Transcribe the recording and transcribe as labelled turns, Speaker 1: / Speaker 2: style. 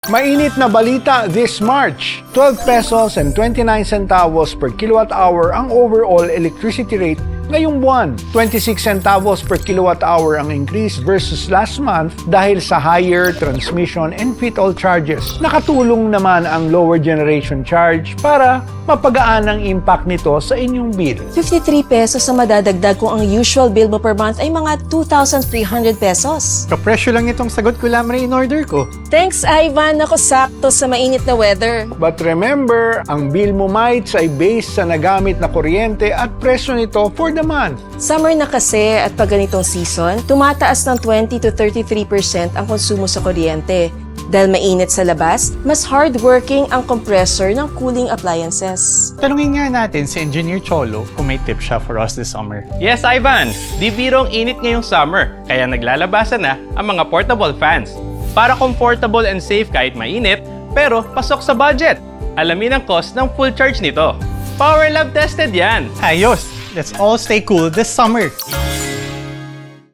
Speaker 1: Mainit na balita this March, 12 pesos and 29 centavos per kilowatt hour ang overall electricity rate ngayong buwan. 26 centavos per kilowatt hour ang increase versus last month dahil sa higher transmission and fit-all charges. Nakatulong naman ang lower generation charge para mapagaan ang impact nito sa inyong bill.
Speaker 2: 53 pesos ang madadagdag kung ang usual bill mo per month ay mga 2,300 pesos.
Speaker 3: Kapresyo lang itong sagot ko lamang in order ko.
Speaker 2: Thanks, Ivan. Ako sakto sa mainit na weather.
Speaker 1: But remember, ang bill mo mites ay based sa nagamit na kuryente at presyo nito for the month.
Speaker 2: Summer na kasi at pag ganitong season, tumataas ng 20 to 33% ang konsumo sa kuryente. Dahil mainit sa labas, mas hardworking ang compressor ng cooling appliances.
Speaker 3: Tanungin nga natin si Engineer Cholo kung may tip siya for us this summer.
Speaker 4: Yes, Ivan! Di birong init ngayong summer, kaya naglalabasan na ang mga portable fans. Para comfortable and safe kahit mainit, pero pasok sa budget. Alamin ang cost ng full charge nito. Power Lab tested yan!
Speaker 3: Ayos! Let's all stay cool this summer!